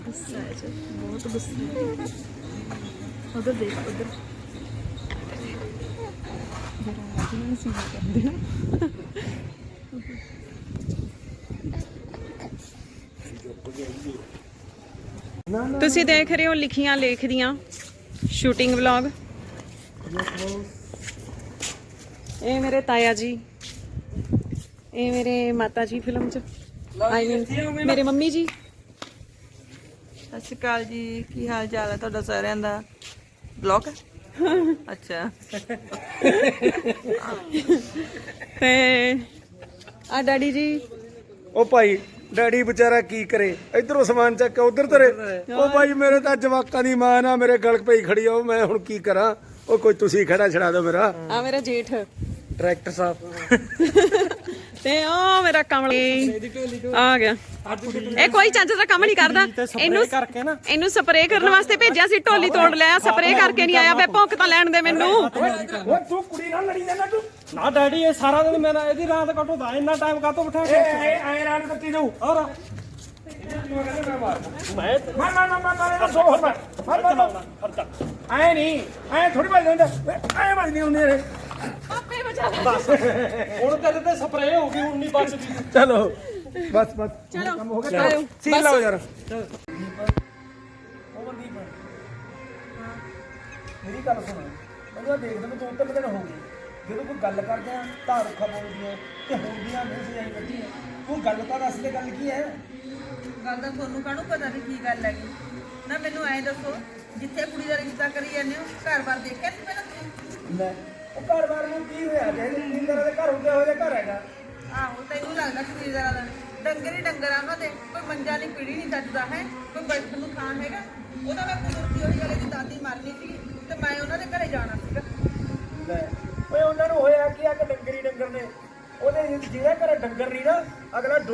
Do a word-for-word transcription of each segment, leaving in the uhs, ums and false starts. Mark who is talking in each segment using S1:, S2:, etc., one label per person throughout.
S1: गुस्सा है जो बहुत गुस्सा है। उधर देख उधर जरा आगे ना सीधा कर देना। ਤੁਸੀਂ ਦੇਖ ਰਹੇ ਹੋ ਲਿਖੀਆਂ ਲੇਖ ਦੀਆਂ ਸ਼ੂਟਿੰਗ ਵਲੌਗ। ਇਹ ਮੇਰੇ ਤਾਇਆ ਜੀ, ਇਹ ਮੇਰੇ ਮਾਤਾ ਜੀ ਫਿਲਮ ਚ ਆਈ ਮੀਨ ਮੇਰੇ ਮੰਮੀ ਜੀ।
S2: ਸਤਿ ਸ਼੍ਰੀ ਅਕਾਲ ਜੀ, ਕੀ ਹਾਲ ਚਾਲ ਹੈ ਤੁਹਾਡਾ ਸਾਰਿਆਂ ਦਾ? ਬਲੌਗ ਅੱਛਾ
S1: ਤੇ ਆ ਡੈਡੀ ਜੀ।
S3: ਉਹ ਭਾਈ ਡੈਡੀ ਵਿਚਾਰਾ ਕੀ ਕਰੇ, ਇਧਰੋਂ ਸਮਾਨ ਚੱਕ ਕੇ ਉਧਰ ਧਰੇ। ਉਹ ਭਾਈ ਮੇਰੇ ਤਾਂ ਜਵਾਕਾਂ ਦੀ ਮਾਂ ਨਾ ਮੇਰੇ ਗਲ ਪਈ ਖੜੀ ਆ, ਮੈਂ ਹੁਣ ਕੀ ਕਰਾਂ। ਉਹ ਕੋਈ ਤੁਸੀਂ ਖੜਾ ਛੜਾ ਦਿਓ ਮੇਰਾ।
S1: ਆ ਮੇਰਾ ਜੇਠ
S3: ਡਾਇਰੈਕਟਰ ਸਾਹਿਬ
S1: ਤੇ ਉਹ ਮੇਰਾ ਕਮਲੀ ਆ ਗਿਆ। ਇਹ ਕੋਈ ਚੱਜ ਦਾ ਕੰਮ ਨਹੀਂ ਕਰਦਾ। ਇਹਨੂੰ ਇਹਨੂੰ ਸਪਰੇਅ ਕਰਨ ਵਾਸਤੇ ਭੇਜਿਆ ਸੀ, ਢੋਲੀ ਤੋੜ ਲਿਆ। ਸਪਰੇਅ ਕਰਕੇ ਨਹੀਂ ਆਇਆ। ਵੇ ਭੌਂਕ ਤਾਂ ਲੈਣ ਦੇ ਮੈਨੂੰ।
S3: ਓਏ ਤੂੰ ਕੁੜੀ ਨਾਲ ਲੜੀ ਜਾਂਦਾ ਤੂੰ।
S4: ਨਾ ਡੈਡੀ ਇਹ ਸਾਰਾ ਦਿਨ ਮੇਰਾ ਇਹਦੀ ਰਾਤ ਕੱਟਦਾ, ਇੰਨਾ ਟਾਈਮ ਕਾਹਤੋਂ ਬਿਠਾ ਕੇ
S3: ਐ ਐ ਰਾਤ ਕੱਟੀ ਜਾਊ।
S4: ਔਰ
S3: ਮੈਂ ਮਾਰ ਮਾਰ ਮਾਰ ਮਾਰ ਸੋ ਹੋਰ ਮਾਰ ਮਾਰ ਮਾਰ ਐ ਨਹੀਂ ਐ ਥੋੜੀ ਵੱਜ ਜਾਂਦਾ ਐ ਵੱਜਦੀ ਹੁੰਦੀ ਰੇ।
S1: ਆਪੇ ਬਚਾ ਲੈ।
S4: ਬਸ ਹੁਣ ਤੇਰੇ ਤੇ ਸਪਰੇਅ ਹੋ ਗਈ, ਹੁਣ ਨਹੀਂ ਬਚਦੀ।
S3: ਚਲੋ ਬਸ ਬਸ
S1: ਚਲੋ
S3: ਕੰਮ ਹੋ ਗਿਆ।
S1: ਚਲੋ
S3: ਸੀਨ ਲਾਓ ਯਾਰ। ਮੇਰੀ ਗੱਲ ਸੁਣ, ਮੈਨੂੰ ਦੇਖਦੇ ਮੈਂ ਦੋ ਤਿੰਨ ਦਿਨ ਹੋ ਗਏ ਜਦੋਂ ਕੋਈ ਗੱਲ ਕਰਦੇ ਆ ਤਾਂ ਰੁੱਖਾ ਬੋਲਦੀਆਂ ਤੇ ਹੁੰਦੀਆਂ ਨਹੀਂ ਸੀ ਆਈ ਬੱਤੀ। ਤੂੰ ਗੱਲ ਤਾਂ ਦੱਸ ਦੇ, ਗੱਲ ਕੀ ਹੈ?
S2: ਗੱਲ ਤਾਂ ਤੁਹਾਨੂੰ ਕਾਹਨੂੰ ਪਤਾ ਨਹੀਂ ਕੀ ਗੱਲ ਹੈਗੀ ਨਾ। ਮੈਨੂੰ ਐਂ ਦੱਸੋ, ਜਿੱਥੇ ਕੁੜੀ ਦਾ ਰਿਸ਼ਤਾ ਕਰੀ ਜਾਂਦੇ ਹੋ ਘਰ-ਬਾਰ ਦੇਖਿਆ ਨਹੀਂ ਪਹਿਲਾਂ ਤੁਸੀਂ?
S3: ਲੈ ਉਹ ਘਰ-ਬਾਰ ਨੂੰ ਕੀ ਹੋਇਆ? ਜੇ ਜ਼ਿੰਦਗੀ ਦੇ ਘਰ ਹੁੰਦੇ ਹੋਏ ਘਰ ਹੈਗਾ।
S2: ਆਹੋ ਤੈਨੂੰ ਲੱਗਦਾ ਕਬੀਲਦਾਰਾਂ ਦਾ ਡੰਗਰ ਹੀ ਡੰਗਰ ਆ ਉਹਨਾਂ ਦੇ। ਕੋਈ ਮੰਜਾ ਨਹੀਂ, ਪੀੜੀ ਨਹੀਂ ਚੱਜਦਾ ਹੈ, ਕੋਈ ਬੈਠਣ ਨੂੰ ਥਾਂ ਹੈਗਾ। ਉਹਦਾ ਮੈਂ ਕੁਦਰਤੀ ਉਹੀ ਗੱਲ ਦੀ ਦਾਦੀ ਮਰਨੀ ਸੀ ਤੇ ਮੈਂ ਉਹਨਾਂ ਦੇ ਘਰੇ ਜਾਣਾ ਸੀਗਾ।
S3: ਲੈ ਓਏ ਉਹਨਾਂ ਨੂੰ ਹੋਇਆ ਕੀ ਆ ਕਿ ਡੰਗਰ ਹੀ ਡੰਗਰ ਨੇ। ਉਹਦੇ ਜਿਹੜਾ ਘਰ ਡੰਗਰ ਨਹੀਂ ਨਾ ਅਗਲਾ ਡੋ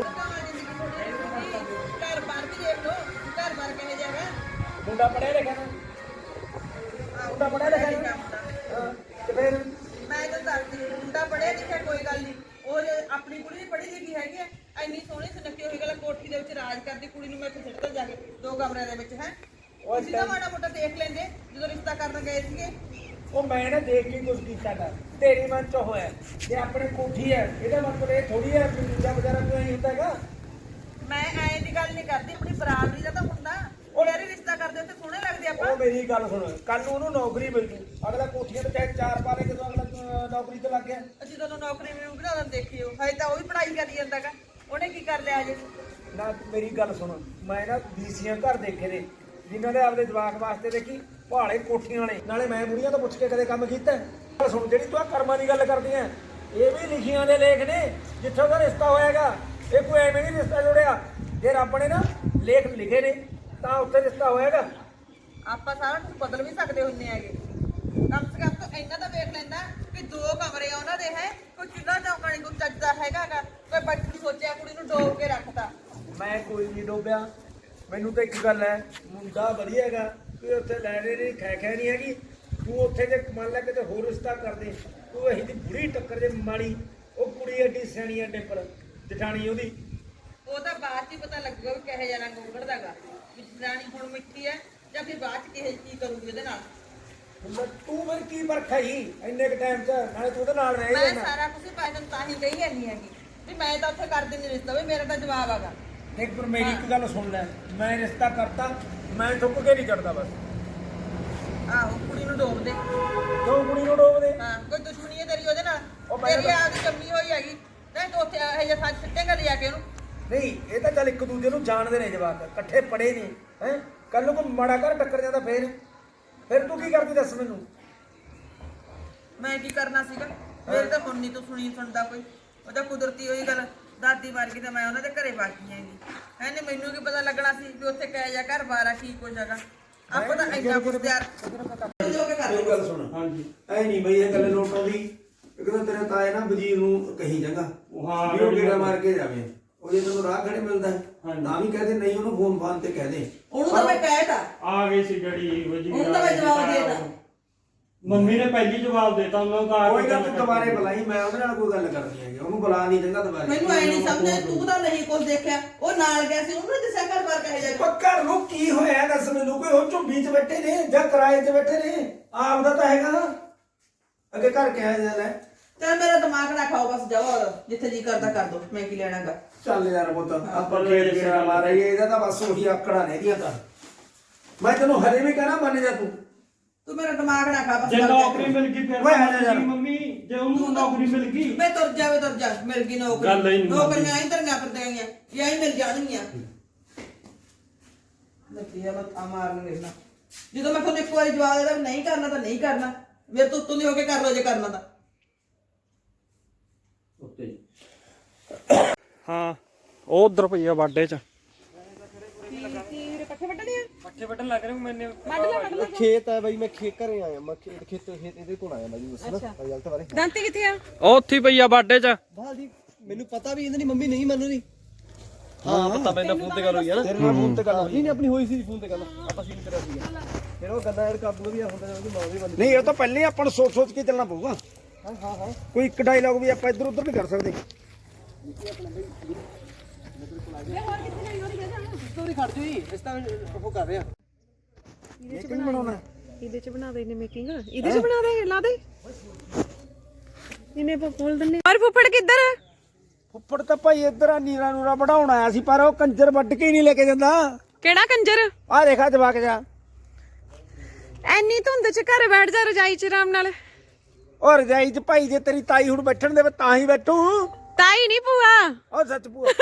S2: ਘਰ-ਬਾਰ ਵੀ ਦੇਖ ਲਓ, ਘਰ-ਬਾਰ ਕਿਹੋ ਜਿਹਾ ਹੈ।
S3: ਮੁੰਡਾ ਪੜਿਆ ਲਿਖਿਆ ਨਾ, ਮੁੰਡਾ ਪੜਿਆ ਲਿਖਿਆ ਨਾ। ਹਾਂ ਤੇ ਫਿਰ
S2: ਮੈਂ ਤਾਂ ਦੱਸਦੀ ਮੁੰਡਾ ਪੜਿਆ ਲਿਖਿਆ ਕੋਈ ਗੱਲ ਨਹੀਂ। ਉਹ ਜੇ ਆਪਣੀ ਕੁੜੀ ਵੀ ਪੜ੍ਹੀ ਲਿਖੀ ਹੈਗੀ ਹੈ, ਇੰਨੀ ਸੋਹਣੀ ਸੁਨੱਖੀ ਹੋਈ ਗੱਲ ਕੋਠੀ ਦੇ ਵਿੱਚ ਰਾਜ ਕਰਦੀ ਕੁੜੀ ਨੂੰ ਮੈਂ ਇੱਥੇ ਸਿੱਟਦਾ ਜਾ ਕੇ ਦੋ ਕਮਰਿਆਂ ਦੇ ਵਿੱਚ ਹੈ। ਤੁਸੀਂ ਤਾਂ ਮਾੜਾ ਮੋਟਾ ਦੇਖ ਲੈਂਦੇ ਜਦੋਂ ਰਿਸ਼ਤਾ ਕਰਨ ਗਏ ਸੀਗੇ।
S3: ਉਹ ਮੈਂ ਨਾ ਦੇਖ ਕੇ ਕੁਝ ਕੀਤਾ ਕਰ, ਤੇਰੀ ਮਨ ਚ ਹੋਇਆ ਤੇ ਆਪਣੇ ਕੋਠੀ ਹੈ, ਇਹਦਾ ਮਤਲਬ ਇਹ ਥੋੜੀ ਹੈ ਕਿ ਦੂਜਾ ਬਜ਼ਾਰਾ ਕੋਈ ਨਹੀਂ ਹੁੰਦਾ ਹੈਗਾ।
S2: ਮੈਂ ਐਂ ਦੀ ਗੱਲ ਨਹੀਂ ਕਰਦੀ, ਆਪਣੀ ਬਰਾਬਰੀ ਦਾ ਤਾਂ ਹੁੰਦਾ। ਉਹ ਯਾਰੀ ਰਿਸ਼ਤਾ ਕਰਦੇ ਉੱਥੇ ਸੋਹਣੇ ਲੱਗਦੇ ਆਪਾਂ।
S3: ਉਹ ਮੇਰੀ ਗੱਲ ਸੁਣ, ਕੱਲ ਨੂੰ ਉਹਨੂੰ ਨੌਕਰੀ ਮਿਲ ਜੂ, ਅਗਲਾ ਕੋਠੀਆਂ ਤੇ ਚਾਹੇ ਚਾਰ ਪਾ ਲੇ ਜਦੋਂ ਅਗਲਾ ਨੌਕਰੀ ਤੇ ਲੱਗ ਗਿਆ।
S2: ਜਦੋਂ ਨੂੰ ਨੌਕਰੀ ਮਿਲੂਗੀ ਨਾ ਉਦੋਂ ਦੇਖਿਓ। ਹਜੇ ਤਾਂ ਉਹ ਵੀ ਪੜ੍ਹਾਈ ਕਰੀ ਜਾਂਦਾਗਾ, ਉਹਨੇ ਕੀ ਕਰ ਲਿਆ ਅਜੇ?
S3: ਨਾ ਮੇਰੀ ਗੱਲ ਸੁਣ, ਮੈਂ ਨਾ ਬੀਸੀਆਂ ਘਰ ਦੇਖੇ ਨੇ ਜਿਨ੍ਹਾਂ ਦੇ ਆਪਦੇ ਜਵਾਕ ਵਾਸਤੇ ਦੇਖੀ ਭਾਲੇ ਕੋਠੀਆਂ ਵਾਲੇ। ਨਾਲੇ ਮੈਂ ਬੁੜੀਆਂ ਤੋਂ ਪੁੱਛ ਕੇ ਕਦੇ ਕੰਮ ਕੀਤਾ? ਗੱਲ ਸੁਣ, ਜਿਹੜੀ ਤੂੰ ਆ ਕਰਮਾਂ ਦੀ ਗੱਲ ਕਰਦੀ ਐ, ਇਹ ਵੀ ਲਿਖੀਆਂ ਦੇ ਲੇਖ ਨੇ ਜਿੱਥੇ ਉਹਦਾ ਰਿਸ਼ਤਾ ਹੋਏਗਾ। ਇਹ ਕੋਈ ਐਵੇਂ ਨਹੀਂ ਰਿਸ਼ਤਾ ਜੋੜਿਆ, ਜੇ ਰੱਬ ਨੇ ਨਾ ਲੇਖ ਲਿਖੇ ਨੇ ਤਾਂ ਉੱਥੇ ਰਿਸ਼ਤਾ ਹੋਏਗਾ।
S2: ਆਪਾਂ ਸਾਰਾ ਕੁਝ ਬਦਲ ਵੀ ਸਕਦੇ ਹੁੰਦੇ ਹੈਗੇ। ਕਮ ਸੇ ਕਮ ਤਾਂ ਇੰਨਾ ਤਾਂ ਵੇਖ ਲੈਂਦਾ ਵੀ ਦੋ ਕਮਰੇ ਆ ਉਹਨਾਂ ਦੇ ਹੈ, ਕੋਈ ਚੁੱਲ੍ਹਾ ਚੌਂਕਾ ਨਹੀਂ ਕੋਈ ਚੱਜਦਾ ਹੈਗਾਗਾ। ਕੋਈ ਬੱਚੀ ਸੋਚਿਆ ਕੁੜੀ ਨੂੰ ਡੋਬ ਕੇ ਰੱਖਤਾ।
S3: ਮੈਂ ਕੋਈ ਨਹੀਂ ਡੋਬਿਆ, ਮੈਨੂੰ ਤਾਂ ਇੱਕ ਗੱਲ ਹੈ, ਮੁੰਡਾ ਵਧੀਆ ਹੈਗਾ, ਕੋਈ ਉੱਥੇ ਲੈਣੇ ਨਹੀਂ ਖੈ ਖੈ ਨਹੀਂ ਹੈਗੀ। ਤੂੰ ਉੱਥੇ ਜੇ ਮੰਨ ਲੈ ਕਿਤੇ ਹੋਰ ਰਿਸ਼ਤਾ ਕਰਦੇ, ਤੂੰ ਇਹੀ ਦੀ ਬੁੜੀ ਟੱਕਰ ਜੇ ਮਾੜੀ। ਉਹ ਕੁੜੀ ਐਡੀ ਸਿਆਣੀ ਐ ਡਿੱਪਰ ਜਠਾਣੀ ਉਹਦੀ।
S2: ਉਹ ਤਾਂ ਬਾਅਦ 'ਚ ਹੀ ਪਤਾ ਲੱਗੂਗਾ ਵੀ ਕਿਹੋ ਜਿਹਾ ਰੰਗ ਉਗੜਦਾਗਾ, ਵੀ ਜਨਾਨੀ ਹੁਣ ਮਿੱਠੀ ਹੈ ਜਾਂ ਫਿਰ ਬਾਅਦ 'ਚ ਕਿਹੋ ਕੀ ਕਰੂਗੀ ਉਹਦੇ ਨਾਲ।
S3: ਤੂੰ ਫਿਰ ਕੀ ਵਰਖਾ ਹੀ ਇੰਨੇ ਕ ਟਾਈਮ 'ਚ, ਨਾਲੇ ਤੂੰ ਉਹਦੇ ਨਾਲ ਰਹਿ
S2: ਮੈਂ
S3: ਜਾਣਾ।
S2: ਸਾਰਾ ਕੁਝ ਪੈਦਨ ਤਾਂ ਹੀ ਕਹੀ ਜਾਂਦੀ ਹੈਗੀ ਵੀ ਮੈਂ ਤਾਂ ਉੱਥੇ ਕਰ ਦਿੰਦੀ ਰਿਸ਼ਤਾ, ਵੀ ਮੇਰਾ ਤਾਂ ਜਵਾਬ ਆਗਾ।
S3: ਦੇਖ ਪਰ ਮੇਰੀ ਇੱਕ ਗੱਲ ਸੁਣ ਲੈ, ਮੈਂ ਰਿਸ਼ਤਾ ਕਰਤਾ, ਮੈਂ ਠੁੱਕ ਕੇ ਨਹੀਂ ਚੜਦਾ ਬਸ।
S2: ਆਹੋ ਕੁੜੀ ਨੂੰ ਡੋਬ ਦੇ।
S3: ਕਿਉਂ ਕੁੜੀ ਨੂੰ ਡੋਬਦੇ?
S2: ਹਾਂ ਕੋਈ ਦੁਸ਼ਮਣੀ ਹੈ ਤੇਰੀ ਉਹਦੇ ਨਾਲ?
S3: ਉਹ ਮੈਂ
S2: ਤੇਰੀ ਆਪਦੀ ਜੰਮੀ ਹੋਈ ਹੈਗੀ ਨਹੀਂ ਤੂੰ ਉੱਥੇ ਇਹ ਜਿਹਾ ਸੱਚ ਸਿੱਟੇਗਾ ਲਿਆ ਕੇ ਉਹਨੂੰ।
S3: ਨਹੀਂ ਇਹ ਤਾਂ ਚੱਲ ਇੱਕ ਦੂਜੇ ਨੂੰ ਜਾਣਦੇ ਨੇ ਜਵਾਕ, ਇਕੱਠੇ ਪੜੇ ਨੇ ਹੈ। ਕੱਲ ਨੂੰ ਕੋਈ ਮਾੜਾ ਘਰ ਟੱਕਰ ਜਾਂਦਾ ਫੇਰ ਫਿਰ ਤੂੰ ਕੀ ਕਰਦੀ ਦੱਸ ਮੈਨੂੰ?
S2: ਮੈਂ ਕੀ ਕਰਨਾ ਸੀਗਾ? ਮੇਰੇ ਤਾਂ ਹੁਣ ਨਹੀਂ ਤੂੰ ਸੁਣੀ ਸੁਣਦਾ ਕੋਈ। ਉਹਦਾ ਕੁਦਰਤੀ ਹੋਈ ਗੱਲ, ਦਾਦੀ ਮਰ ਗਈ ਤਾਂ ਮੈਂ ਉਹਨਾਂ ਦੇ ਘਰੇ ਬਾਕੀ ਹੈਗੀ ਹੈ। ਨਹੀਂ ਮੈਨੂੰ ਕੀ ਪਤਾ ਲੱਗਣਾ ਸੀ ਵੀ ਉੱਥੇ ਕਹਿ ਜਾ ਘਰ ਬਾਰ ਆ ਕੀ ਕੁਝ ਹੈਗਾ। ਆਪਾਂ ਤਾਂ ਇੰਨਾ ਕੁਝ ਤਿਆਰ
S3: ਇਹ ਗੱਲ ਸੁਣ। ਹਾਂਜੀ ਐ ਨਹੀਂ ਬਈ ਇਹ ਗੱਲ ਲੋਟ ਆਉਂਦੀ। ਇੱਕ ਤਾਂ ਤੇਰੇ ਤਾਏ ਨਾ ਵਜ਼ੀਰ ਨੂੰ ਕਹੀ ਜਾਂਗਾ
S4: ਹਾਂ
S3: ਵੀ ਉਹ ਗੇੜਾ ਮਾਰ ਕੇ ਜਾਵੇ। ਉਹ ਜੇ ਤੈਨੂੰ ਰਾਹ ਖੜੇ ਮਿਲਦਾ ਨਾ ਵੀ ਕਹਦੇ, ਨਹੀਂ ਉਹਨੂੰ ਫੋਨ ਫਾਨ ਤੇ ਕਹਦੇ।
S2: ਉਹਨੂੰ ਤਾਂ ਮੈਂ ਕਹਿਤਾ
S4: ਆ ਗਈ ਸੀ ਜਿਹੜੀ ਵਜੀ।
S2: ਉਹਨੂੰ ਤਾਂ ਮੈਂ ਜਵਾਬ ਦੇਤਾ।
S4: ਮੰਮੀ ਨੇ ਪਹਿਲੀ ਜਵਾਬ ਦੇਤਾ ਉਹਨਾਂ ਦਾ।
S3: ਕੋਈ ਗੱਲ ਤੂੰ ਦੁਬਾਰੇ ਬੁਲਾਈ, ਮੈਂ ਉਹਦੇ ਨਾਲ ਕੋਈ ਗੱਲ ਕਰਨੀ ਹੈਗੀ। ਉਹਨੂੰ ਬੁਲਾ ਨਹੀਂ ਚੰਗਾ ਦੁਬਾਰੇ।
S2: ਮੈਨੂੰ ਐ ਨਹੀਂ ਸਮਝ ਤੂੰ ਤਾਂ ਨਹੀਂ ਕੁਝ ਦੇਖਿਆ। ਉਹ ਨਾਲ ਗਿਆ ਸੀ, ਉਹਨੂੰ ਦੱਸਿਆ ਘਰ ਬਾਰ ਕਹੇ ਜਾ।
S3: ਘਰ ਨੂੰ ਕੀ ਦੱਸ ਮੈਨੂੰ ਕੋਈ ਉਹ ਝੁੰਬੀ 'ਚ ਬੈਠੇ ਨੇ ਜਾਂ ਕਿਰਾਏ 'ਤੇ ਬੈਠੇ ਨੇ ਆਪ ਦਾ ਤਾਂ ਹੈਗਾ ਅੱਗੇ ਘਰ ਕਿਹਾ ਜਾਂਦਾ
S2: ਚੱਲ ਮੇਰਾ ਦਿਮਾਗ ਨਾ ਖਾਓ ਬਸ ਜਾਓ ਔਰ ਜਿੱਥੇ ਜੀ ਕਰਦਾ ਕਰ ਦੋ ਮੈਂ ਕੀ ਲੈਣਾਗਾ
S3: ਚੱਲ ਯਾਰ ਪੁੱਤ ਆਪਾਂ ਖੇਡ ਗੇੜਾ ਮਾਰਾਂਗੇ ਇਹਦਾ ਤਾਂ ਬਸ ਉਹੀ ਆਕੜਾ ਨੇ ਇਹਦੀਆਂ ਤਾਂ ਮੈਂ ਤੈਨੂੰ ਹਲੇ ਵੀ ਕਹਿਣਾ ਮੰਨ ਜਾ ਤੂੰ
S2: ਤੂੰ ਮੇਰਾ ਦਿਮਾਗ ਨਾ ਖਾ ਬਸ
S4: ਜੇ
S2: ਗੱਲ
S4: ਨੌਕਰੀ
S2: ਕਰ।
S4: ਮਿਲ ਗਈ ਫਿਰ
S3: ਓਏ
S4: ਤਾਂ
S3: ਆ ਜਾ ਯਾਰ।
S4: ਮੰਮੀ ਜੇ ਉਹਨੂੰ ਨੌਕਰੀ ਮਿਲ ਗਈ
S2: ਵੇ ਤੁਰ ਜਾਵੇ ਤੁਰ ਜਾ ਮਿਲ ਗਈ
S4: ਗੱਲ ਹੀ
S2: ਨੌਕਰੀ
S4: ਨਹੀਂ
S2: ਨੌਕਰੀਆਂ ਹੀ ਧਰੀਆਂ ਫਿਰਦੇਗੀਆਂ ਜਾਂ ਹੀ ਮਿਲ ਜਾਣਗੀਆਂ ਨਤੀਆ ਮਤ ਮਾਰਨ ਵੇਖਣਾ ਜਦੋਂ ਮੈਂ ਤੁਹਾਨੂੰ ਇੱਕ ਵਾਰੀ ਜਵਾਬ ਦੇਦਾ ਨਹੀਂ ਕਰਨਾ ਤਾਂ ਨਹੀਂ ਕਰਨਾ ਮੇਰੇ ਤੋਂ ਉੱਤੋਂ ਦੀ ਹੋ ਕੇ ਕਰ ਲੋ ਜੇ ਕਰਨਾ ਤਾਂ
S4: ਹਾਂ ਉਹ ਉਧਰ ਪਈ ਆ ਬਾਡੇ ਚ
S1: ਪੱਠੇ ਵੱਢਣੇ ਆ
S4: ਪੱਠੇ ਵੱਢਣ ਲੱਗ ਰਹੇ ਮੈਨੇ
S1: ਵੱਢ ਲੈ ਵੱਢ ਲੈ
S5: ਖੇਤ ਹੈ ਬਾਈ ਮੈਂ ਖੇਤ ਘਰੇ ਆਇਆ ਮੈਂ ਖੇਤ ਖੇਤ ਖੇਤ ਇਹਦੇ ਕੋਲ ਆਇਆ ਬਾਈ ਉਸ ਨਾ ਰਿਜ਼ਲਟ ਬਾਰੇ
S1: ਦਾਂਤੀ ਕਿੱਥੇ ਆ
S4: ਉਹ ਉੱਥੇ ਹੀ ਪਈ ਆ ਬਾਡੇ ਚ
S5: ਬਾਲ ਜੀ ਮੈਨੂੰ ਪਤਾ ਵੀ ਇਹਨਾਂ ਦੀ ਮੰਮੀ ਨਹੀਂ ਮੰਨੂ ਦੀ ਹਾਂ ਪਤਾ ਮੈਨੂੰ ਫੋਨ ਤੇ ਗੱਲ ਹੋਈ ਹੈ ਨਾ
S3: ਤੇਰੇ ਨਾਲ ਫੋਨ ਤੇ ਗੱਲ
S5: ਨਹੀਂ ਨਹੀਂ ਆਪਣੀ ਹੋਈ ਸੀ ਫੋਨ ਤੇ ਗੱਲ ਆਪਾਂ ਸੀਨ ਕਰਿਆ ਸੀਗਾ ਫਿਰ ਉਹ ਗੱਲਾਂ ਐਡ ਕਰ ਦੂੰਗਾ ਵੀ ਆ ਹੁੰਦਾ ਜਦੋਂ ਮਾਂ ਵੀ ਬੰਦ
S3: ਨਹੀਂ ਇਹ ਤਾਂ ਪਹਿਲੇ ਆਪਾਂ ਨੂੰ ਸੋਚ ਸੋਚ ਕੇ ਚੱਲਣਾ ਪਊਗਾ
S5: ਹਾਂ ਹਾਂ ਹਾਂ
S3: ਕੋਈ ਇੱਕ ਡਾਇਲੌਗ ਵੀ ਆਪਾਂ ਇੱਧਰ ਉੱਧਰ ਨਹੀਂ ਕਰ ਸਕਦੇ
S5: ਸਟੋਰੀ ਖੜ ਜੂਈ ਇਸ ਤਾਂ ਉਹ ਕਰ ਰਿਹਾ
S3: ਇਹ ਕਿਵੇਂ ਬਣਾਉਣਾ
S1: ਇਹਦੇ ਚ ਬਣਾ ਦੇ ਇਹਨੇ ਮੇਕਿੰਗ ਇਹਦੇ ਚ ਬਣਾ ਦੇ ਲਾ ਦੇ ਇਹਨੇ ਬੋਲ ਦਿੰਨੇ ਔਰ ਫੁੱਫੜ ਕਿੱਧਰ
S3: ਫੁੱਫੜ ਤਾਂ ਭਾਈ ਇੱਧਰ ਆ ਨੀਰਾ ਨੂਰਾ ਵਢਾਉਣ ਆਇਆ ਸੀ ਪਰ ਉਹ ਕੰਜਰ ਵੱਢ ਕੇ ਹੀ ਨਹੀਂ ਲੈ ਕੇ ਜਾਂਦਾ
S1: ਕਿਹੜਾ ਕੰਜਰ
S3: ਆਹ ਦੇਖਾ ਜਵਾਕ ਜਾ
S1: ਐਨੀ ਧੁੰਦ ਚ ਘਰ ਬੈਠ ਜਾ ਰਜਾਈ ਚ ਆਰਾਮ ਨਾਲ
S3: ਉਹ ਰਜਾਈ 'ਚ ਭਾਈ ਜੇ ਤੇਰੀ ਤਾਈ ਹੁਣ ਬੈਠਣ ਦੇਵੇ ਤਾਂ ਹੀ ਬੈਠੂ
S1: ਤਾਈ ਨਹੀਂ ਭੂਆ
S3: ਉਹ ਸੱਚ ਭੂਆ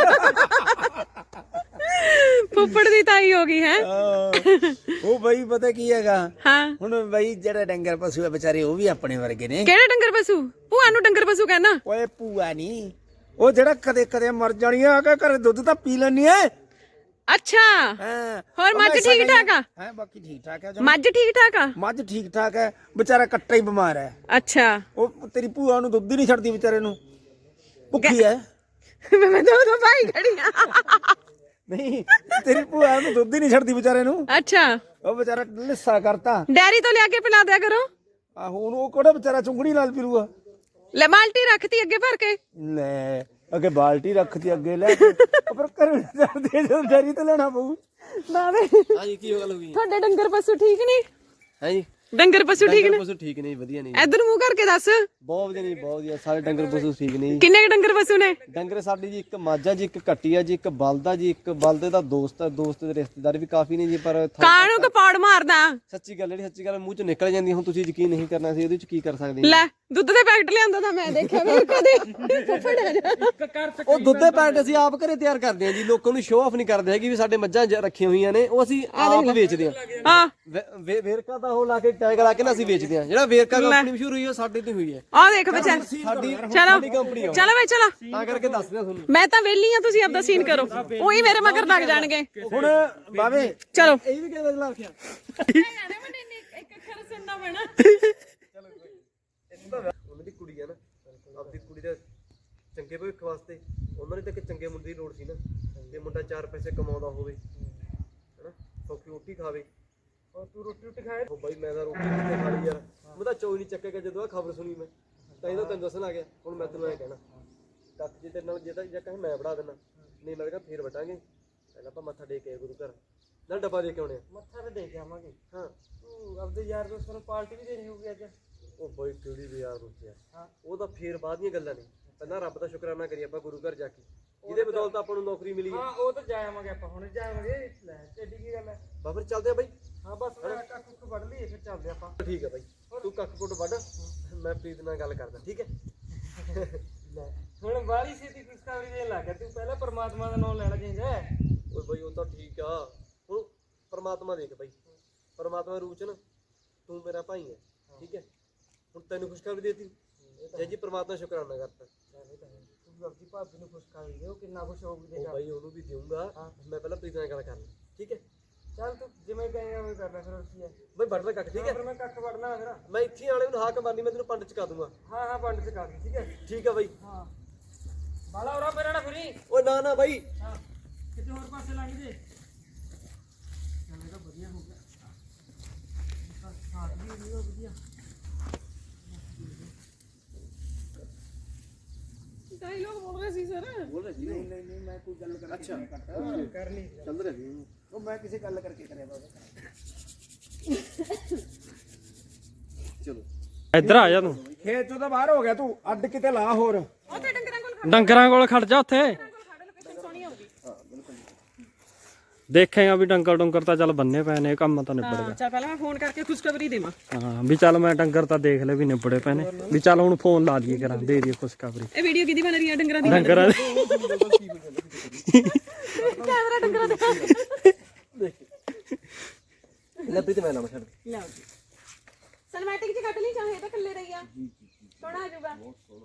S1: ਫੁੱਫੜ ਦੀ ਤਾਈ ਹੋ ਗਈ ਹੈ
S3: ਉਹ ਬਈ ਪਤਾ ਕੀ ਹੈਗਾ
S1: ਹਾਂ
S3: ਹੁਣ ਬਈ ਜਿਹੜੇ ਡੰਗਰ ਪਸ਼ੂ ਆ ਵਿਚਾਰੇ ਉਹ ਵੀ ਆਪਣੇ ਵਰਗੇ ਨੇ
S1: ਕਿਹੜੇ ਡੰਗਰ ਪਸ਼ੂ ਭੂਆ ਨੂੰ ਡੰਗਰ ਪਸ਼ੂ ਕਹਿਣਾ
S3: ਓਏ ਭੂਆ ਨਹੀਂ ਉਹ ਜਿਹੜਾ ਕਦੇ ਕਦੇ ਮਰ ਜਾਣੀ ਆ ਕਿ ਘਰੇ ਦੁੱਧ ਤਾਂ ਪੀ ਲੈਣੀ ਐ
S1: ਅੱਛਾ
S3: ਹਾਂ
S1: ਹੋਰ ਮੱਝ ਠੀਕ ਠਾਕ ਆ
S3: ਹੈ ਬਾਕੀ ਠੀਕ ਠਾਕ ਹੈ
S1: ਮੱਝ ਠੀਕ ਠਾਕ ਆ
S3: ਮੱਝ ਠੀਕ ਠਾਕ ਹੈ ਵਿਚਾਰਾ ਕੱਟਾ ਹੀ ਬਿਮਾਰ ਹੈ
S1: ਅੱਛਾ
S3: ਉਹ ਤੇਰੀ ਭੂਆ ਨੂੰ ਦੁੱਧ ਹੀ ਨਹੀਂ ਛੱਡਦੀ ਵਿਚਾਰੇ ਨੂੰ ਭੁੱਖੀ ਹੈ
S1: ਮੈਂ ਤਾਂ ਉਹਦਾ ਭਾਈ ਖੜੀ ਆ
S3: ਨਹੀਂ ਤੇਰੀ ਭੂਆ ਨੂੰ ਦੁੱਧ ਹੀ ਨਹੀਂ ਛੱਡਦੀ ਵਿਚਾਰੇ ਨੂੰ
S1: ਅੱਛਾ
S3: ਉਹ ਵਿਚਾਰਾ ਲਿੱਸਾ ਕਰਤਾ
S1: ਡੈਰੀ ਤੋਂ ਲਿਆ ਕੇ ਪਿਲਾ ਦਿਆ ਕਰੋ
S3: ਆਹੋ ਉਹਨੂੰ ਉਹ ਕਿਹੜਾ ਵਿਚਾਰਾ ਚੁੰਗੜੀ ਨਾਲ ਪੀਰੂਗਾ
S1: ਲੈ ਬਾਲਟੀ ਰੱਖਤੀ ਅੱਗੇ ਭਰ ਕੇ
S3: ਲੈ ਅੱਗੇ ਬਾਲਟੀ ਰੱਖਤੀ ਅੱਗੇ ਲੈ ਕੇ ਉਹ ਫਿਰ ਘਰ ਜਾਂਦੇ ਜਦੋਂ ਡੈਰੀ ਤੇ ਲੈਣਾ ਪਊ
S1: ਬਾਵੇ
S5: ਹਾਂ ਜੀ ਕੀ ਗੱਲ ਹੋ ਗਈ
S1: ਤੁਹਾਡੇ ਡੰਗਰ ਪਸ਼ੂ ਠੀਕ ਨੇ
S5: ਹੈ ਜੀ
S1: ਡੰਗਰ ਪਸ਼ੂ ਠੀਕ ਨੇ
S5: ਪਸ਼ੂ ਠੀਕ ਨਹੀਂ ਵਧੀਆ ਨਹੀਂ
S1: ਇਧਰ ਮੂੰਹ ਕਰਕੇ ਦੱਸ
S5: ਬਹੁਤ ਵਧੀਆ ਨਹੀਂ ਬਹੁਤ ਵਧੀਆ ਸਾਰੇ ਡੰਗਰ ਪਸ਼ੂ ਠੀਕ ਨਹੀਂ
S1: ਕਿੰਨੇ ਕੁ ਡੰਗਰ ਪਸ਼ੂ ਨੇ
S5: ਡੰਗਰ ਸਾਡੀ ਜੀ ਇੱਕ ਮਾਝਾ ਜੀ ਇੱਕ ਕੱਟੀ ਆ ਜੀ ਇੱਕ ਬਲਦਾ ਜੀ ਇੱਕ ਬਲਦੇ ਦਾ ਦੋਸਤ ਆ ਦੋਸਤ ਦੇ ਰਿਸ਼ਤੇਦਾਰ ਵੀ ਕਾਫੀ ਨੇ ਜੀ ਪਰ ਥੋ-
S1: ਕਾਣੂ ਕਪਾੜ ਮਾਰਦਾ
S5: ਸੱਚੀ ਗੱਲ ਜਿਹੜੀ ਸੱਚੀ ਗੱਲ ਮੂੰਹ ਚੋਂ ਨਿਕਲ ਜਾਂਦੀ ਹੁਣ ਤੁਸੀਂ ਯਕੀਨ ਨਹੀਂ ਕਰਨਾ ਸੀ ਇਹਦੇ ਚ ਕੀ ਕਰ ਸਕਦੇ ਹਾਂ
S1: ਲੈ ਦੁੱਧ ਦੇ ਪੈਕਟ ਲਿਆਂਦਾ ਤਾਂ ਮੈਂ ਦੇਖਿਆ ਵੀ ਕਦੇ ਫੁੱਫੜ ਆ ਜਾ
S5: ਉਹ ਦੁੱਧ ਦੇ ਪੈਕਟ ਅਸੀਂ ਆਪ ਘਰੇ ਤਿਆਰ ਕਰਦੇ ਹਾਂ ਜੀ ਲੋਕਾਂ ਨੂੰ ਸ਼ੋਅ ਆਫ ਨਹੀਂ ਕਰਦੇ ਹੈਗੇ ਵੀ ਸਾਡੇ ਮੱਝਾਂ ਜ- ਰੱਖੀਆਂ ਹੋਈਆਂ ਨੇ ਉਹ ਅਸੀਂ ਆਪ ਵੇਚਦੇ ਹਾਂ
S1: ਹਾਂ
S5: ਵੇ- ਵੇ- ਵੇਰਕਾ ਦਾ ਉਹ ਲਾ ਕੇ ਟੈਗ ਲਾ ਕੇ ਨਾ ਅਸੀਂ ਵੇਚਦੇ ਹਾਂ ਜਿਹੜਾ ਵੇਰਕਾ ਕੰਪਨੀ ਮਸ਼ਹੂਰ ਹੋਈ ਉਹ ਸਾਡੇ ਤੇ ਹੋਈ ਹੈ
S1: ਆ ਦੇਖ ਬੱਚਾ
S5: ਸਾਡੀ
S1: ਚਲੋ
S5: ਕੰਪਨੀ ਆ ਉਹ।
S1: ਚਲੋ ਬਈ ਚਲੋ
S5: ਤਾਂ ਕਰਕੇ ਦੱਸਦੇ ਹਾਂ ਤੁਹਾਨੂੰ
S1: ਮੈਂ ਤਾਂ ਵਿਹਲੀ ਆ ਤੁਸੀਂ ਆਪਦਾ ਸੀਨ ਕਰੋ ਉਹੀ ਮੇਰੇ ਮਗਰ ਲੱਗ ਜਾਣਗੇ
S3: ਹੁਣ ਬਾਵੇ
S1: ਚਲੋ
S5: ਇਹ ਵੀ ਕਿਹਦਾ ਲਾ ਰੱਖਿਆ
S1: ਇੱਕ ਅੱਖਰ ਸੁਣਨਾ ਪੈਣਾ
S5: ਉਹਨਾਂ ਦੀ ਕੁੜੀ ਆ ਨਾ ਆਪਦੀ ਕੁੜੀ ਦਾ ਚੰਗੇ ਭਵਿੱਖ ਵਾਸਤੇ ਉਹਨਾਂ ਨੇ ਤਾਂ ਇੱਕ ਚੰਗੇ ਮੁੰਡੇ ਦੀ ਲੋੜ ਸੀ ਨਾ ਕਿ ਮੁੰਡਾ ਚਾਰ ਪੈਸੇ ਕਮਾਉਂਦਾ ਹੋਵੇ ਹੈਨਾ ਸੌਖੀ ਰੋਟੀ ਖਾਵੇ ਔਰ ਤੂੰ ਰੋਟੀ ਰੋਟੀ ਖਾਏ ਉਹ ਬਾਈ ਮੈਂ ਤਾਂ ਰੋਟੀ ਕਿੱਥੇ ਖਾ ਲਈ ਯਾਰ ਮੈਂ ਤਾਂ ਚੋਈ ਨਹੀਂ ਚੱਕੇਗਾ ਜਦੋਂ ਆ ਖਬਰ ਸੁਣੀ ਮੈਂ ਤਾਂ ਇਹਦਾ ਤੈਨੂੰ ਦੱਸਣ ਆ ਗਿਆ ਹੁਣ ਮੈਂ ਤੈਨੂੰ ਐ ਕਹਿਣਾ ਕੱਖ ਜੇ ਤੇਰੇ ਨਾਲ ਜੇ ਤਾਂ ਜੇ ਕਹੇ ਮੈਂ ਵੜਾ ਦੇਣਾ ਨਹੀਂ ਮੈਂ ਕਿਹਾ ਫੇਰ ਵਟਾਂਗੇ ਪਹਿਲਾਂ ਆਪਾਂ ਮੱਥਾ ਟੇਕ ਕੇ ਗੁਰੂ ਘਰ ਨਾਲ ਡੱਬਾ ਦੇ ਕੇ ਆਉਣੇ ਆ
S4: ਮੱਥਾ ਤੇ ਦੇ ਕੇ ਆਵਾਂਗੇ
S5: ਹਾਂ
S4: ਤੂੰ ਆਪਦੇ ਯਾਰ ਦੋਸਤਾਂ ਨੂੰ ਪਾਰਟੀ ਵੀ ਦੇਣੀ ਹੋਊਗੀ ਅੱਜ
S5: ਉਹ ਬਾਈ ਕਿਹੜੀ ਵੀ ਯਾਰ ਰੁਕਿਆ ਉਹ ਤਾਂ ਫੇਰ ਬਾਅਦ ਦੀਆਂ ਗੱਲਾਂ ਨੇ ਪਹਿਲਾਂ ਰੱਬ ਦਾ ਸ਼ੁਕਰਾਨਾ ਕਰੀਏ ਆਪਾਂ ਗੁਰੂ ਘਰ ਜਾ ਕੇ ਜਿਹਦੇ ਬਦੌਲਤ ਆਪਾਂ ਨੂੰ ਨੌਕਰੀ ਮਿਲੀ ਹੈ
S4: ਹਾਂ ਉਹ ਤਾਂ ਜਾਵਾਂਗੇ ਆਪਾਂ ਹੁਣ ਜਾਵਾਂਗੇ ਲੈ ਐਡੀ ਕੀ ਗੱਲ ਹੈ
S5: ਬਾਬਰ ਚੱਲਦੇ ਆ ਬਾਈ
S4: ਹਾਂ ਬਸ ਕੱਖ ਕੁੱਖ ਵੱਢ ਲਈਏ ਫਿਰ ਚੱਲਦੇ ਆਪਾਂ
S5: ਠੀਕ ਹੈ ਬਾਈ ਤੂੰ ਕੱਖ ਕੁੱਟ ਵੱਢ ਮੈਂ ਪ੍ਰੀਤ ਨਾਲ ਗੱਲ ਕਰਦਾ ਠੀਕ ਹੈ
S4: ਲੈ ਹੁਣ ਬਾਹਲੀ ਛੇਤੀ ਖੁਸ਼ਖਬਰੀ ਦੇਣ ਲੱਗ ਗਿਆ ਤੂੰ ਪਹਿਲਾਂ ਪਰਮਾਤਮਾ ਦਾ ਨਾਮ ਲੈਣਾ ਚਾਹੀਦਾ ਹੈ
S5: ਓਏ ਬਾਈ ਉਹ ਤਾਂ ਠੀਕ ਆ ਹੁਣ ਪਰਮਾਤਮਾ ਦੇਖ ਬਾਈ ਪਰਮਾਤਮਾ ਰੂਪ ਚ ਨਾ ਤੂੰ ਮੇਰਾ ਭਾਈ ਹੈ ਠੀਕ ਹੈ ਹੁਣ ਤੈਨੂੰ ਖੁਸ਼ਖਬਰੀ ਦੇਤੀ ਜੈ ਜੀ ਪਰਮਾਤਮਾ ਸ਼ੁਕਰਾਨਾ ਕਰਤਾ
S4: ਤੂੰ ਆਪਣੀ ਭਾਬੀ ਨੂੰ ਖੁਸ਼ਖਬਰੀ ਦੇ ਉਹ ਕਿੰਨਾ ਖੁਸ਼ ਹੋਊਗੀ
S5: ਉਹ
S4: ਦੇਖ
S5: ਬਾਈ ਉਹਨੂੰ ਵੀ ਦੇਊਂਗਾ ਮੈਂ ਪਹਿਲਾਂ ਪ੍ਰੀਤ ਨਾਲ ਗੱਲ ਕਰ ਲਈ ਠੀਕ ਹੈ
S4: ਚੱਲ ਤੂੰ ਜਿਵੇਂ ਕਹੇਂਗਾ ਉਵੇਂ ਕਰ ਲੈ ਫਿਰ ਹੋਰ ਕੀ ਹੈ
S5: ਬਾਈ ਵੱਢ ਲੈ ਕੱਖ ਠੀਕ ਹੈ
S4: ਫਿਰ ਮੈਂ ਕੱਖ ਵੱਢਣਾ ਫਿਰ
S5: ਮੈਂ ਇੱਥੇ ਆਲੇ ਨੂੰ ਹਾਕ ਮਾਰਨੀ ਮੈਂ ਤੈਨੂੰ ਪੰਡ ਚਕਾ ਦੂੰਗਾ
S4: ਹਾਂ ਹਾਂ ਪੰਡ ਚ ਕਰ ਦੇ ਠੀਕ ਹੈ
S5: ਠੀਕ ਆ ਬਾਈ
S4: ਹਾਂ ਬਾਲਾ ਉਰਾ ਮੇਰਾ ਨਾ ਫਰੀ
S5: ਓਏ ਨਾ ਨਾ ਬਾਈ
S4: ਹਾਂ ਕਿਤੇ ਹੋਰ ਪਾਸੇ ਲੰਘ ਜੇ ਚੱਲ ਇਹ ਤਾਂ ਵਧੀਆ ਹੋ ਗਿਆ ਸਾਥ ਵੀ ਨਹੀਂ ਵਧੀਆ
S1: ਡਾਇਲੋਗ ਬੋਲ ਰਹੇ ਸੀ ਸਰ
S5: ਬੋਲ ਰਿਹਾ ਜੀ ਨਹੀਂ ਨਹੀਂ ਮੈਂ ਕੋਈ ਗੱਲ ਕਰ ਅੱਛਾ ਕਰਨੀ ਚੱਲ ਰਿਹਾ ਜੀ
S3: ਉਹ ਮੈਂ ਕਿਸੇ ਗੱਲ ਕਰਕੇ ਕਰਿਆ ਬਾਬਾ।
S5: ਚਲੋ
S4: ਇੱਧਰ ਆ ਜਾ ਤੂੰ
S3: ਖੇਤ ਚੋਂ ਤਾਂ ਬਾਹਰ ਹੋ ਗਿਆ ਤੂੰ, ਅੱਡ ਕਿਤੇ ਲਾ ਹੋਰ।
S1: ਉੱਥੇ ਡੰਗਰਾਂ ਕੋਲ
S4: ਡੰਗਰਾਂ ਕੋਲ ਖੜ ਜਾ ਉੱਥੇ
S1: ਖੜ ਲੋਕੇਸ਼ਨ ਸੋਹਣੀ ਆਊਗੀ।
S4: ਦੇਖੇਗਾ ਵੀ ਡੰਗਰ ਡੰਗਰ ਤਾਂ ਚੱਲ ਬੰਨੇ ਪਏ ਨੇ, ਕੰਮ ਤਾਂ ਨਿਬੜ ਗਿਆ।
S1: ਚੱਲ ਪਹਿਲਾਂ ਮੈਂ ਫੋਨ ਕਰਕੇ ਖੁਸ਼ਖਬਰੀ ਦੇਵਾਂ।
S4: ਹਾਂ ਵੀ ਚੱਲ ਮੈਂ ਡੰਗਰ ਤਾਂ ਦੇਖ ਲੈ ਵੀ ਨਿਬੜੇ ਪਏ ਨੇ, ਵੀ ਚੱਲ ਹੁਣ ਫੋਨ ਲਾ ਲਈਏ ਕਰਾਂ, ਦੇ ਦਈਏ ਖੁਸ਼ਖਬਰੀ।
S1: ਇਹ ਵੀਡੀਓ ਕਿਹਦੀ ਬਣ ਰਹੀ ਹੈ? ਡੰਗਰਾਂ ਦੀ।
S4: ਡੰਗਰਾਂ
S1: ਕੈਮਰਾ ਡੰਗਰਾਂ ਦਾ।
S5: ਲੱਭੀ ਤੇ ਮੈਂ ਲਾਵਾਂ ਛੱਡ।
S1: ਲਓ ਜੀ ਸਿਨੇਮੈਟਿਕ ਜੀ ਕੱਟ ਲਈ, ਚਾਹੇ ਤਾਂ ਇਕੱਲੇ ਰਹੀ ਆ, ਸੋਹਣਾ ਆ ਜਾਊਗਾ।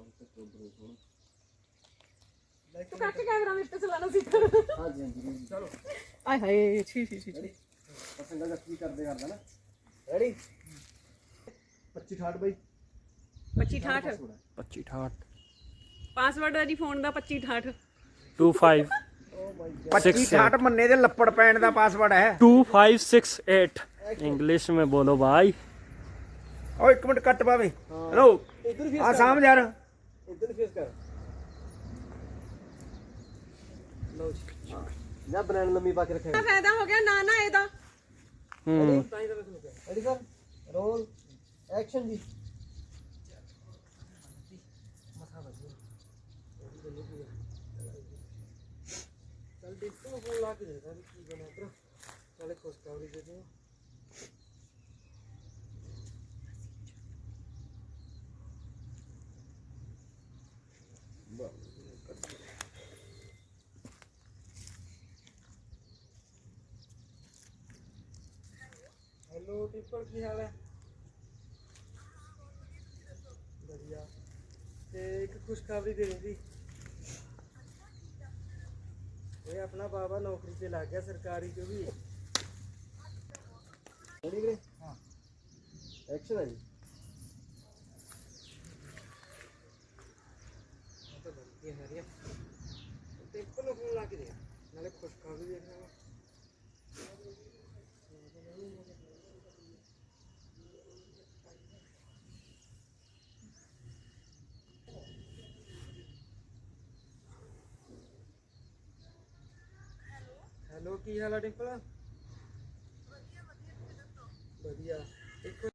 S1: ਤੂੰ ਕੱਟ ਕੈਮਰਾ ਮੇਰੇ ਤੇ ਚਲਾਣਾ ਸਿੱਖ।
S5: ਹਾਂਜੀ ਹਾਂਜੀ ਚਲੋ
S1: ਆਏ ਹਾਏ ਛੀ ਛੀ ਛੀ।
S5: ਪਸੰਦ ਦਾ ਕੀ ਕਰਦੇ ਕਰਦਾ ਨਾ। ਰੈਡੀ ਪੱਚੀ ਅਠਾਹਠ ਬਾਈ
S1: ਪੱਚੀ ਅਠਾਹਠ
S4: ਪੱਚੀ ਅਠਾਹਠ
S1: ਪਾਸਵਰਡ ਹੈ ਜੀ ਫੋਨ ਦਾ ਪੱਚੀ ਅਠਾਹਠ
S4: ਟੂ ਫਾਈਵ
S3: ਪੱਚੀ ਅਠਾਹਠ ਮੰਨੇ ਦੇ ਲੱਪੜ ਪੈਣ ਦਾ ਪਾਸਵਰਡ ਹੈ।
S4: Two five six eight English में बोलो भाई।
S3: ਉਹ ਇੱਕ ਮਿੰਟ ਕੱਟ ਪਾਵੇ। ਹੈਲੋ
S5: ਇੱਧਰ ਫੇਸ
S3: ਆ ਸਾਹਮਣੇ ਯਾਰ।
S5: ਇੱਧਰ ਫੇਸ ਕਰ। ਲਓ ਜੀ ਜਾਂ ਬਨਾਨ ਲੰਮੀ ਪਾ ਕੇ ਰੱਖਿਆ।
S1: ਫਾਇਦਾ ਹੋ ਗਿਆ ਨਾ ਨਾ ਇਹਦਾ।
S4: हम्म
S5: ਰੈਡੀ ਸਰ ਰੋਲ ਐਕਸ਼ਨ ਜੀ। ਚੱਲ ਦੇਖੋ ਨੂੰ ਫੋਨ ਲਾ ਕੇ ਦੇਖਦਾ ਵੀ ਕੀ ਬਣਿਆ ਇੱਧਰ। ਚੱਲ ਖੁਸ਼ਖਬਰੀ ਦੇ ਦਿਓ। ਹੈਲੋ ਟਿੱਪਰ ਕੀ ਹਾਲ ਹੈ? ਵਧੀਆ। ਤੇ ਇੱਕ ਖੁਸ਼ਖਬਰੀ ਦੇ ਦਿੰਦੀ। ਇਹ ਆਪਣਾ ਬਾਬਾ ਨੌਕਰੀ ਤੇ ਲੱਗ ਗਿਆ ਸਰਕਾਰੀ ਚ ਵੀ। ਰੈਡੀ ਵੀਰੇ? ਹਾਂ ਐਕਸ਼ਨ ਹੈ ਜੀ। ਤਾਂ ਵਧੀਆ ਹੈ ਰਿਆ। ਟਿੱਪਰ ਨੂੰ ਫੋਨ ਲਾ ਕੇ ਦੇ ਨਾਲੇ ਖੁਸ਼ਖਬਰੀ ਦੇਖਣਾ। ਹੈਲੋ ਕੀ ਹਾਲ ਆ ਡਿੰਪਲ? ਵਧੀਆ ਵਧੀਆ। ਇੱਕ